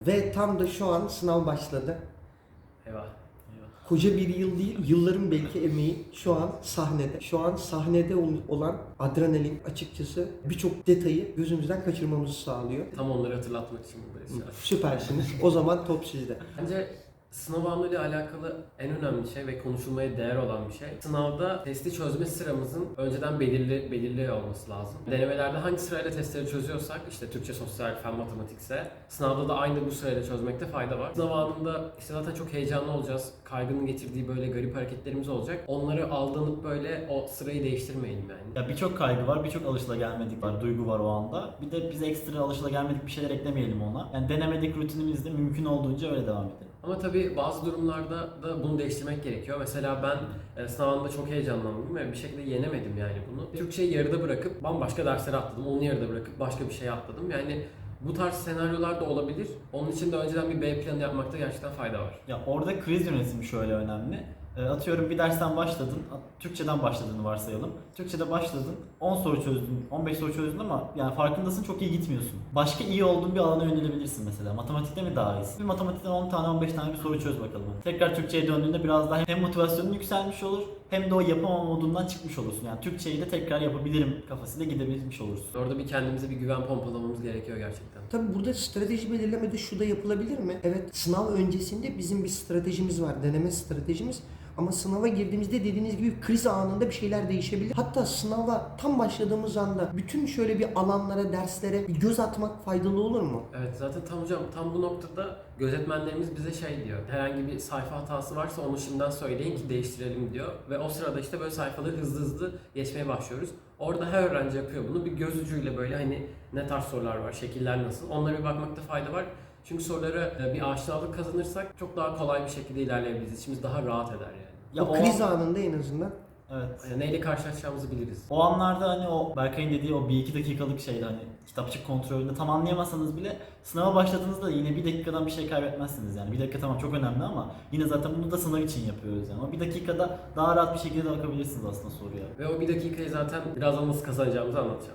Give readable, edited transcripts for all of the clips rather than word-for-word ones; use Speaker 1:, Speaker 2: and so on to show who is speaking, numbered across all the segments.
Speaker 1: Ve tam da şu an sınav başladı.
Speaker 2: Eyvah.
Speaker 1: Koca bir yıl değil, yılların belki emeği şu an sahnede. Şu an sahnede olan adrenalin açıkçası birçok detayı gözümüzden kaçırmamızı sağlıyor.
Speaker 2: Tam onları hatırlatmak için buradayız şu an.
Speaker 1: Süpersiniz. O zaman top sizde.
Speaker 2: Bence sınav anıyla alakalı en önemli şey ve konuşulmaya değer olan bir şey. Sınavda testi çözme sıramızın önceden belirli olması lazım. Denemelerde hangi sırayla testleri çözüyorsak, işte Türkçe, sosyal, fen, matematikse sınavda da aynı bu sırayla çözmekte fayda var. Sınav anında işte zaten çok heyecanlı olacağız. Kaygının getirdiği böyle garip hareketlerimiz olacak. Onları aldanıp böyle o sırayı değiştirmeyelim yani.
Speaker 3: Ya birçok kaygı var, birçok alışılagelmedik var, duygu var o anda. Bir de biz ekstra alışılagelmedik bir şeyler eklemeyelim ona. Yani denemedik rutinimizde mümkün olduğunca öyle devam edelim.
Speaker 2: Ama tabii bazı durumlarda da bunu değiştirmek gerekiyor. Mesela ben sınavında çok heyecanlandım ve bir şekilde yenemedim yani bunu. Türkçeyi yarıda bırakıp bambaşka derslere atladım. Onu yarıda bırakıp başka bir şeye atladım. Yani bu tarz senaryolar da olabilir. Onun için de önceden bir B planı yapmakta gerçekten fayda var.
Speaker 3: Ya orada kriz yönetimi şöyle önemli. Atıyorum bir dersten başladın, Türkçeden başladığını varsayalım. Türkçede başladın, 10 soru çözdün, 15 soru çözdün ama yani farkındasın çok iyi gitmiyorsun. Başka iyi olduğun bir alana yönelebilirsin mesela. Matematikte mi daha iyisin? Bir matematikten 10 tane 15 tane bir soru çöz bakalım. Tekrar Türkçe'ye döndüğünde biraz daha hem motivasyonun yükselmiş olur hem de o yapamama modundan çıkmış olursun. Yani Türkçeyi de tekrar yapabilirim kafasıyla gidebilmiş olursun.
Speaker 2: Orada bir kendimize bir güven pompalamamız gerekiyor gerçekten.
Speaker 1: Tabii burada strateji belirlemede şu da yapılabilir mi? Evet, sınav öncesinde bizim bir stratejimiz var, deneme stratejimiz. Ama sınava girdiğimizde dediğiniz gibi kriz anında bir şeyler değişebilir. Hatta sınava tam başladığımız anda bütün şöyle bir alanlara, derslere bir göz atmak faydalı olur mu?
Speaker 2: Evet, zaten tam bu noktada gözetmenlerimiz bize şey diyor. Herhangi bir sayfa hatası varsa onu şimdiden söyleyin ki değiştirelim diyor. Ve o sırada işte böyle sayfaları hızlı geçmeye başlıyoruz. Orada her öğrenci yapıyor bunu. Bir göz ucuyla böyle hani ne tarz sorular var, şekiller nasıl? Onlara bir bakmakta fayda var. Çünkü sorulara bir aşinalık kazanırsak çok daha kolay bir şekilde ilerleyebiliriz. İçimiz daha rahat eder yani.
Speaker 3: Ya
Speaker 1: O kriz anında en azından.
Speaker 3: Evet.
Speaker 2: Yani neyle karşılaşacağımızı biliriz.
Speaker 3: O anlarda hani o Berkay'ın dediği o 1-2 dakikalık şeydi hani kitapçık kontrolünde tam anlayamasanız bile sınava başladığınızda yine 1 dakikadan bir şey kaybetmezsiniz yani. 1 dakika tamam çok önemli ama yine zaten bunu da sınav için yapıyoruz yani. O 1 dakikada daha rahat bir şekilde bakabilirsiniz aslında soruya.
Speaker 2: Ve o 1 dakikayı zaten birazdan nasıl kazanacağımızı anlatacağım.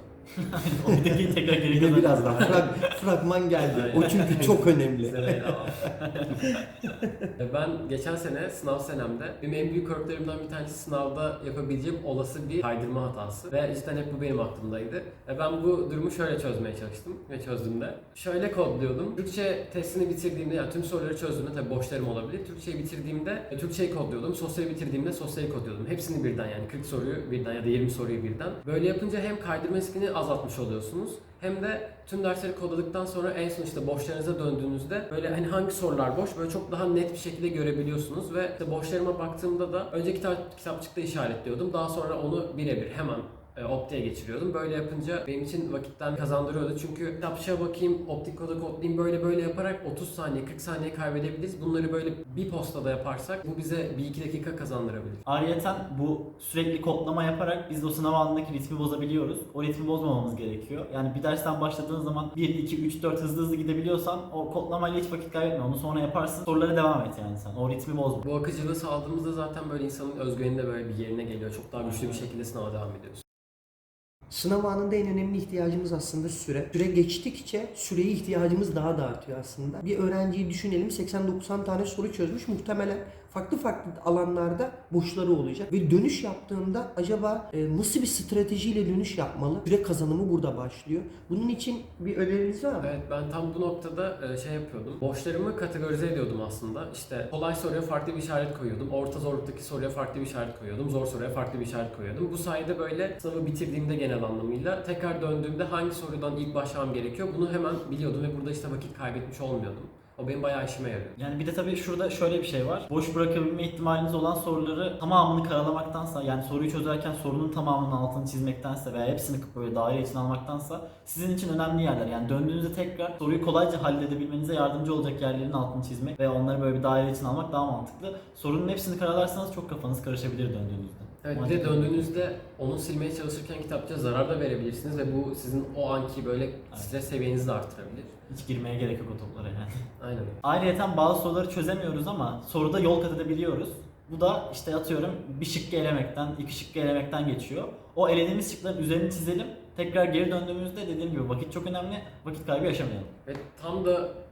Speaker 3: O 1 dakikayı tekrar geri
Speaker 1: Bir de
Speaker 3: kazanacağız.
Speaker 1: biraz daha fragman geldi. O çünkü çok önemli.
Speaker 2: Size Ben geçen sene sınav senemde benim en büyük korkularımdan bir tanesi sınavda yapabileceğim olası bir kaydırma hatası. Ve cidden hep bu benim aklımdaydı. Ben bu durumu şöyle çözmeye çalıştım ve çözdüm de. Şöyle kodluyordum. Türkçe testini bitirdiğimde yani tüm soruları çözdüğümde tabii boşlarım olabilir. Türkçeyi bitirdiğimde Türkçeyi kodluyordum. Sosyali bitirdiğimde sosyali kodluyordum. Hepsini birden yani 40 soruyu birden ya da 20 soruyu birden. Böyle yapınca hem kaydırma riskini azaltmış oluyorsunuz. Hem de tüm dersleri kodladıktan sonra en son işte boşlarınıza döndüğünüzde böyle hani hangi sorular boş böyle çok daha net bir şekilde görebiliyorsunuz ve işte boşlarıma baktığımda da önce kitapçıkta işaretliyordum. Daha sonra onu birebir hemen optiğe geçiriyordum. Böyle yapınca benim için vakitten kazandırıyordu. Çünkü kitapçığa bakayım, optik koda kodlayayım böyle yaparak 30 saniye, 40 saniye kaybedebiliriz. Bunları böyle bir postada yaparsak bu bize 1-2 dakika kazandırabilir.
Speaker 3: Ayrıyeten bu sürekli kodlama yaparak biz de o sınav anındaki ritmi bozabiliyoruz. O ritmi bozmamamız gerekiyor. Yani bir dersten başladığın zaman 1, 2, 3, 4 hızlı gidebiliyorsan o kodlamayla hiç vakit kaybetme. Onu sonra yaparsın. Sorulara devam et yani sen. O ritmi bozma.
Speaker 2: Bu akıcılığı sağladığımızda zaten böyle insanın özgüveni de böyle bir yerine geliyor. Çok daha güçlü bir şekilde sınava devam ediyoruz.
Speaker 1: Sınav anında en önemli ihtiyacımız aslında süre. Süre geçtikçe süreye ihtiyacımız daha da artıyor aslında. Bir öğrenciyi düşünelim 80-90 tane soru çözmüş. Muhtemelen farklı alanlarda boşları olacak. Ve dönüş yaptığında acaba nasıl bir stratejiyle dönüş yapmalı? Süre kazanımı burada başlıyor. Bunun için bir öneriniz var mı?
Speaker 2: Evet, ben tam bu noktada şey yapıyordum. Boşlarımı kategorize ediyordum aslında. İşte kolay soruya farklı bir işaret koyuyordum. Orta zorluktaki soruya farklı bir işaret koyuyordum. Zor soruya farklı bir işaret koyuyordum. Bu sayede böyle sınavı bitirdiğimde genel anlamıyla tekrar döndüğümde hangi sorudan ilk başlamam gerekiyor bunu hemen biliyordum ve burada işte vakit kaybetmiş olmuyordum. O benim bayağı işime yarıyor.
Speaker 3: Yani bir de tabii şurada şöyle bir şey var. Boş bırakabilme ihtimaliniz olan soruları tamamını karalamaktansa yani soruyu çözerken sorunun tamamının altını çizmektense veya hepsini böyle daire içine almaktansa sizin için önemli yerler. Yani döndüğünüzde tekrar soruyu kolayca halledebilmenize yardımcı olacak yerlerin altını çizmek ve onları böyle bir daire içine almak daha mantıklı. Sorunun hepsini karalarsanız çok kafanız karışabilir döndüğünüzde.
Speaker 2: Evet, bir de döndüğünüzde onu silmeye çalışırken kitapçıya zarar da verebilirsiniz ve bu sizin o anki böyle stres seviyenizi de artırabilir.
Speaker 3: Hiç girmeye gerek yok o toplara yani.
Speaker 2: Aynen.
Speaker 3: Ayrıyeten bazı soruları çözemiyoruz ama soruda yol kat edebiliyoruz. Bu da işte atıyorum bir şıkkı elemekten, 2 şıkkı elemekten geçiyor. O elediğimiz şıkların üzerini çizelim. Tekrar geri döndüğümüzde dediğim gibi vakit çok önemli. Vakit kaybı yaşamayalım.
Speaker 2: Ve tam da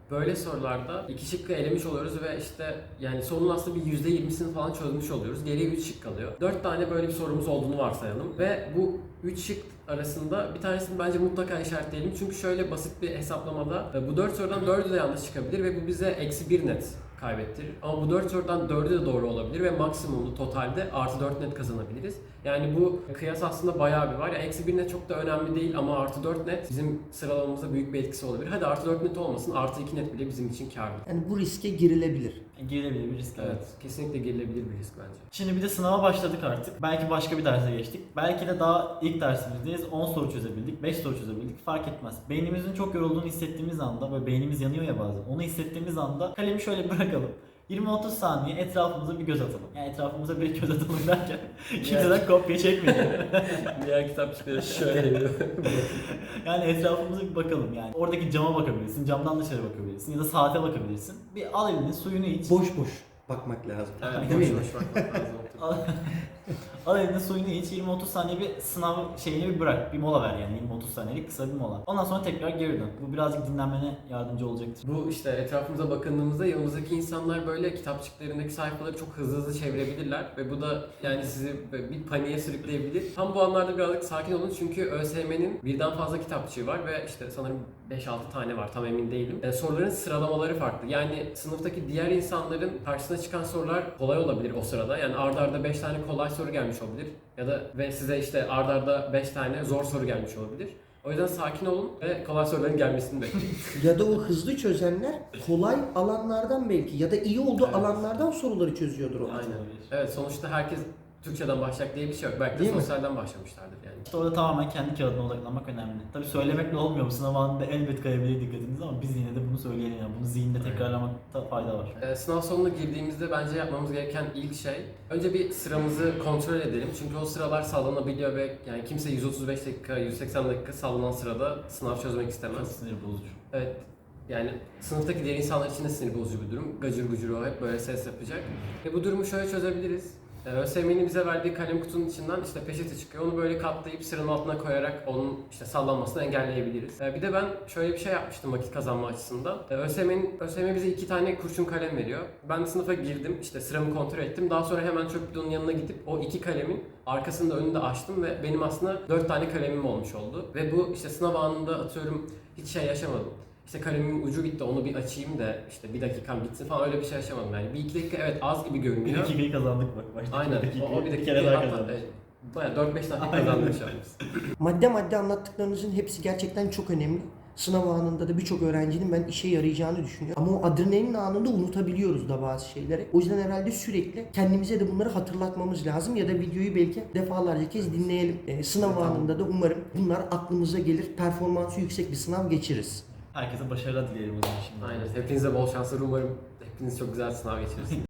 Speaker 2: Böyle sorularda 2 şıkkı elemiş oluyoruz ve işte yani sorunun aslında bir %20'sini falan çözmüş oluyoruz. Geriye 3 şık kalıyor. 4 tane böyle bir sorumuz olduğunu varsayalım ve bu 3 şık arasında bir tanesini bence mutlaka işaretleyelim. Çünkü şöyle basit bir hesaplamada bu 4 sorudan 4'ü de yanlış çıkabilir ve bu bize -1 net kaybettirir. Ama bu 4 sorudan 4'ü de doğru olabilir ve maksimumlu totalde +4 net kazanabiliriz. Yani bu kıyas aslında bayağı bir var. Yani -1 net çok da önemli değil ama +4 net bizim sıralamamıza büyük bir etkisi olabilir. Hadi +4 net olmasın, +2 net bile bizim için kârlı.
Speaker 1: Yani bu riske girilebilir.
Speaker 3: Girilebilir bir risk.
Speaker 2: Evet, kesinlikle girilebilir bir risk bence.
Speaker 3: Şimdi bir de sınava başladık artık. Belki başka bir derse geçtik. Belki de daha ilk dersimizdeyiz. 10 soru çözebildik, 5 soru çözebildik. Fark etmez. Beynimizin çok yorulduğunu hissettiğimiz anda, böyle beynimiz yanıyor ya bazen. Onu hissettiğimiz anda kalemi şöyle bırakalım. 20-30 saniye etrafımıza bir göz atalım. Yani etrafımıza bir göz atalım derken kimseden kopya çekmeyelim.
Speaker 2: Diğer kitapçıkları şöyle
Speaker 3: Yani etrafımıza bir bakalım yani. Oradaki cama bakabilirsin, camdan dışarı bakabilirsin ya da saate bakabilirsin. Bir al elini, suyunu iç.
Speaker 1: Boş boş bakmak lazım.
Speaker 2: Evet,
Speaker 1: Değil mi?
Speaker 2: boş bakmak lazım.
Speaker 3: Al, al eline suyunu iç, 20-30 saniye bir sınav şeyini bir bırak, bir mola ver yani 20-30 saniyelik kısa bir mola. Ondan sonra tekrar geri dön. Bu birazcık dinlenmene yardımcı olacaktır.
Speaker 2: Bu işte etrafımıza bakındığımızda yanımızdaki insanlar böyle kitapçıklarındaki sayfaları çok hızlı hızlı çevirebilirler ve bu da yani sizi bir paniğe sürükleyebilir. Tam bu anlarda birazcık sakin olun çünkü ÖSYM'nin birden fazla kitapçığı var ve işte sanırım 5-6 tane var, tam emin değilim. Soruların sıralamaları farklı. Yani sınıftaki diğer insanların karşısına çıkan sorular kolay olabilir o sırada. Yani arda arda 5 tane kolay soru gelmiş olabilir. Ya da ve size işte arda arda 5 tane zor soru gelmiş olabilir. O yüzden sakin olun ve kolay soruların gelmesini bekleyin.
Speaker 1: Ya da o hızlı çözenler kolay alanlardan belki ya da iyi olduğu
Speaker 2: Evet.
Speaker 1: alanlardan soruları çözüyordur o.
Speaker 2: Aynen. Evet, sonuçta herkes Türkçeden başlayacak diye bir şey yok. Belki de
Speaker 1: Değil mi?
Speaker 2: sosyalden başlamışlardır yani.
Speaker 3: İşte orada tamamen kendi kağıdına odaklanmak önemli. Tabii söylemekle olmuyor, bu sınav anında elbet kayabilir dikkatiniz ama biz yine de bunu söyleyelim yani. Bunu zihinde tekrarlamakta fayda var.
Speaker 2: Sınav sonuna girdiğimizde bence yapmamız gereken ilk şey önce bir sıramızı kontrol edelim. Çünkü o sıralar sallanabiliyor ve yani kimse 135 dakika, 180 dakika sallanan sırada sınav çözmek
Speaker 3: Çok
Speaker 2: istemez.
Speaker 3: sinir bozucu.
Speaker 2: Evet. Yani sınıftaki diğer insanlar için de sinir bozucu bir durum. Gacır gucur o hep böyle ses yapacak. Ve bu durumu şöyle çözebiliriz. ÖSYM'nin bize verdiği kalem kutunun içinden işte peçete çıkıyor. Onu böyle katlayıp sıranın altına koyarak onun işte sallanmasını engelleyebiliriz. Bir de ben şöyle bir şey yapmıştım vakit kazanma açısından. ÖSYM bize 2 tane kurşun kalem veriyor. Ben sınıfa girdim, işte sıramı kontrol ettim. Daha sonra hemen çöp bidonun yanına gidip o 2 kalemin arkasını da önünü de açtım ve benim aslında 4 tane kalemim olmuş oldu. Ve bu işte sınav anında atıyorum hiç şey yaşamadım. İşte kalemimin ucu bitti, onu bir açayım da işte bir dakikam bitsin falan, öyle bir şey yaşamadım yani. 1-2 dakika evet az gibi
Speaker 3: Bir
Speaker 2: görünüyor.
Speaker 3: dakikayı kazandık bak. Başta
Speaker 2: Aynen. O bir
Speaker 3: kere
Speaker 2: dakika
Speaker 3: daha
Speaker 2: hatta
Speaker 3: kazandık.
Speaker 2: bayağı 4-5 dakika
Speaker 3: Aynen.
Speaker 2: kazandık şu an biz.
Speaker 1: Madde anlattıklarınızın hepsi gerçekten çok önemli. Sınav anında da birçok öğrencinin ben işe yarayacağını düşünüyorum. Ama o adrenalin anında unutabiliyoruz da bazı şeyleri. O yüzden herhalde sürekli kendimize de bunları hatırlatmamız lazım ya da videoyu belki defalarca kez dinleyelim. Sınav anında da umarım bunlar aklımıza gelir. Performansı yüksek bir sınav geçiririz.
Speaker 3: Herkese başarılar dileyelim o zaman şimdi.
Speaker 2: Aynen. Hepinize bol şanslar, umarım hepiniz çok güzel sınav geçirirsiniz.